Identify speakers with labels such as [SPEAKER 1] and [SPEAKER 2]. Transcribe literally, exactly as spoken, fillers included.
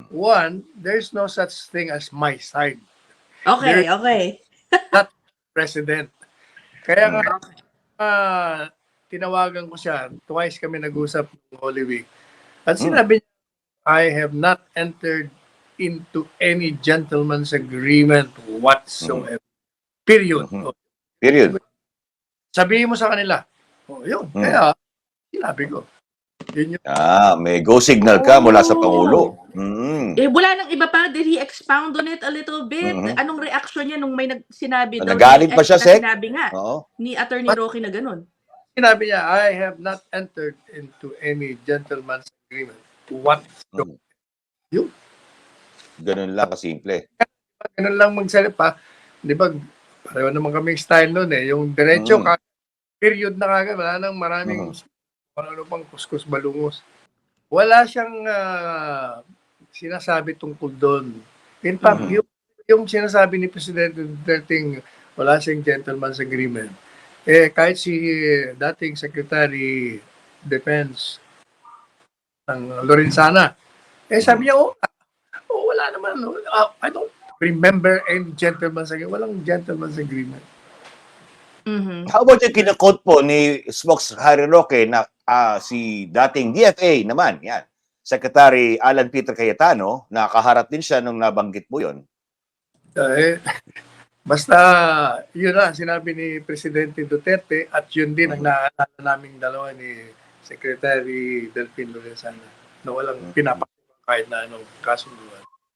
[SPEAKER 1] one, there's no such thing as my side.
[SPEAKER 2] Okay,
[SPEAKER 1] There's
[SPEAKER 2] okay.
[SPEAKER 1] not president. Kaya nga,
[SPEAKER 2] Okay.
[SPEAKER 1] uh, tinawagan ko siya, twice kami nag-usap ng Holy Week. At
[SPEAKER 3] Mm.
[SPEAKER 1] sinabi niya, I have not entered into any gentleman's agreement whatsoever. Period.
[SPEAKER 3] Mhm.
[SPEAKER 1] Oh,
[SPEAKER 3] Period.
[SPEAKER 1] sabihin mo sa kanila. Oh, yun.
[SPEAKER 3] Mm.
[SPEAKER 1] Kaya, sinabi ko. Yun yung,
[SPEAKER 3] Ah, may go signal ka mula sa
[SPEAKER 2] Oh.
[SPEAKER 3] Pangulo. Mm.
[SPEAKER 2] Eh, wala nang iba pa. Did he expound on it a little bit?
[SPEAKER 3] Mhm.
[SPEAKER 2] Anong reaction niya nung may nag sinabi daw?
[SPEAKER 3] Nagalit pa siya,
[SPEAKER 2] na
[SPEAKER 3] Sek?
[SPEAKER 2] Sinabi nga
[SPEAKER 3] Oo.
[SPEAKER 2] ni Attorney Roque na ganun.
[SPEAKER 1] sinabi niya, I have not entered into any gentleman's agreement whatsoever.
[SPEAKER 3] Mm. Ganun lang kasimple.
[SPEAKER 1] Ganun lang magsalita. Di ba, pareho naman kami style nun eh. Yung diretso,
[SPEAKER 3] Mm.
[SPEAKER 1] ka- period na kagad. Wala nang maraming
[SPEAKER 3] Mhm.
[SPEAKER 1] ano pang kuskus balungos. Wala siyang ah, sinasabi tungkol doon. In fact,
[SPEAKER 3] Mhm.
[SPEAKER 1] yung, yung sinasabi ni Presidente Duterte, wala siyang gentleman's agreement. Eh, kahit si dating Secretary Defense ng Lorenzana, eh sabi niya, oh, oh wala naman. Oh, ah, I don't remember any gentleman's agreement. Walang gentleman's agreement.
[SPEAKER 2] Mhm.
[SPEAKER 3] How about yung kinakot po ni Smokes Harry Roque na ah, si dating D F A naman, yan, Secretary Alan Peter Cayetano, nakaharap din siya nung nabanggit mo yun.
[SPEAKER 1] Eh, basta, yun na, sinabi ni Presidente Duterte at yun din ang naalala naming dalawa ni Secretary Delfin Lorenzana na walang pinapakita kahit na anong kasunduan.